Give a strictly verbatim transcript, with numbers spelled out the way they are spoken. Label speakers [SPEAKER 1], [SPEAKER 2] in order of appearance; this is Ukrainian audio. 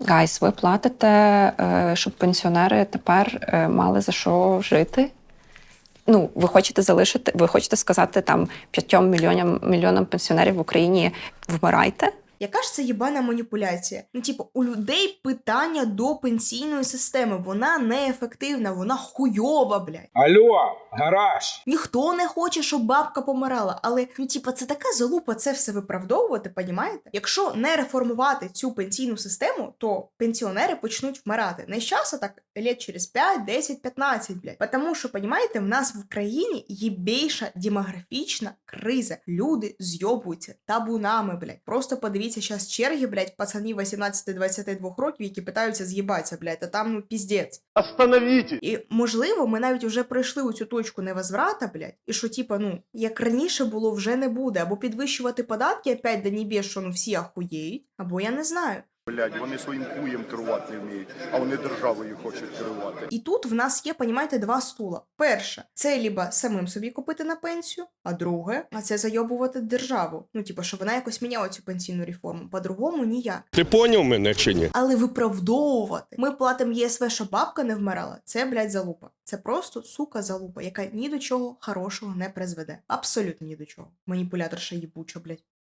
[SPEAKER 1] Гайс, ви платите, е, щоб пенсіонери тепер е, мали за що жити? Ну, ви хочете залишити, ви хочете сказати там п'ятьом мільйонам, мільйонам пенсіонерів в Україні вмирайте?
[SPEAKER 2] Яка ж це єбана маніпуляція? Ну, типу, у людей питання до пенсійної системи. Вона неефективна, вона хуйова, блядь.
[SPEAKER 3] Алло, гараж!
[SPEAKER 2] Ніхто не хоче, щоб бабка помирала. Але, ну, типу, це така залупа це все виправдовувати, понімаєте? Якщо не реформувати цю пенсійну систему, то пенсіонери почнуть вмирати. Не з часу, так, лет через п'ять, десять, п'ятнадцять, блядь. Тому що, понімаєте, в нас в Україні є більша демографічна криза. Люди зйобуються табунами, блядь. Просто подивіться, зараз черги, блядь, пацанів вісімнадцяти-двадцяти двох років, які питаються з'їбатися, блядь, а там, ну, піздець.
[SPEAKER 4] Остановите!
[SPEAKER 2] І, можливо, ми навіть вже пройшли у цю точку невозврата, блядь, і що, типа, ну, як раніше було, вже не буде. Або підвищувати податки опять до небес, що, ну, всі ахуєють, або я не знаю.
[SPEAKER 4] Блядь, вони своїм хуєм керувати не вміють, а вони державою хочуть керувати.
[SPEAKER 2] І тут в нас є, понімаєте, два стула. Перше, це либо самим собі купити на пенсію, а друге, а це зайобувати державу. Ну, типу, що вона якось міняла цю пенсійну реформу. По-другому ніяк.
[SPEAKER 5] Ти поняв мене чи ні?
[SPEAKER 2] Але виправдовувати. Ми платимо ЄСВ, щоб бабка не вмирала. Це, блядь, залупа. Це просто, сука, залупа, яка ні до чого хорошого не призведе. Абсолютно ні до чого. Маніпуляторша їбуча, блядь.